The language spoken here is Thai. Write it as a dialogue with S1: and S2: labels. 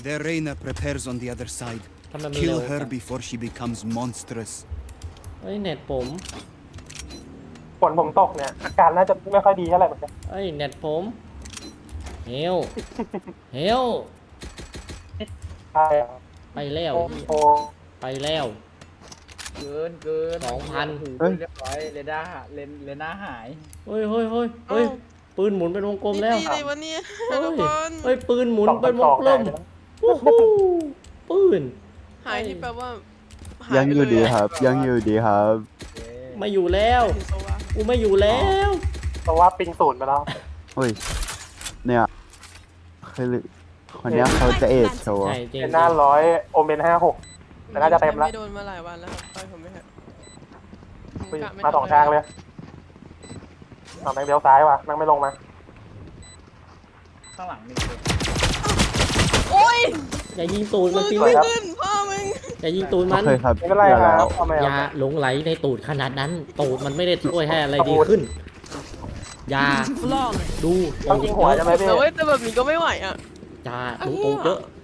S1: Their Reina prepares on the other side.
S2: ทำไมมันเร็
S1: Kill
S2: ว
S1: her before she becomes monstrous.
S2: เฮ้ยเน็ตผม
S3: ฝนผมตกเนี่ยอาการน่าจะไม่ค่อยดีเท่าไหร่เหมือนกัน
S2: เฮ้ยเน็ตผมเฮลเฮล
S3: ใช่
S2: ไปแล้ว
S3: โอ้โห
S2: ไปแล้ว
S4: เกิน
S2: 2,000
S4: เฮ้ยเรียบร้อยเรด้าเลน่าหาย
S2: เฮ้ยเฮ้ยเฮ้ยเฮ้ยปืนหมุนเป็นวงกลมแล้ว
S5: นี่ตีเลยวะเนี่ย
S2: เฮ้ย
S5: ทุกคน
S2: เฮ้ยปืนหมุน
S3: สอง
S2: เป็นว
S3: ส
S2: ง
S3: อง
S2: กล
S3: หาย
S2: ม
S3: ไปแล้ว
S2: วู้ฮู้ปืน
S5: หายที่แปลว่าหา
S6: ยังอยู่ดี
S5: ไปเล
S6: ครับ ยังอยู่ดีครับ
S2: ไม่อยู่แล้ว
S5: เห็นโซวะ
S2: กูไม่อยู่แล้ว
S3: เพราะว่าปิงศูนย์ไปแล้ว
S6: เฮ้ย เนี่ยคือคนเนี้ยเขาจะเอดโชว์
S2: ใช่จริง
S3: เป็นหน้า100โอเมน56 แต่น่าจะเต็มละ
S5: ไม่โดนมาหลายวันแล้วครับไปผมไม่ฮะ
S3: อุ้ย
S5: กะไ
S3: มาสองทางเลยเอาแม่งเลี้ยวซ้ายว่ะแม่งไม่ลงมา
S4: ข้างหลังมีคน
S5: โอ้ย
S2: อย่ายิงตูด
S5: มื
S2: มัน
S5: อ
S2: สิ
S5: กู
S2: ลู
S5: ไม่
S2: ก
S5: ขึ้นพ่อมึง
S2: อย่ายิงตูด
S6: โอ
S2: มัน
S6: เคครับ
S3: ไม่เป็นไร
S6: อย่า
S3: ครั
S6: แล้
S3: บ
S6: ว
S3: เอาไม่
S2: อ
S3: เอา
S2: ย่าหลงไหลในตูดขนาดนั้น ตูดมันไม่ได้ช่วยให้อะไรดีขึ้น อย่าดู
S3: ต้องยิงหัวใช่ไหมพี่
S5: แต่ว่าแต่แบบนี้ก็ไม่ไหวอ่ะ
S2: อย่าดูตูดเยอะ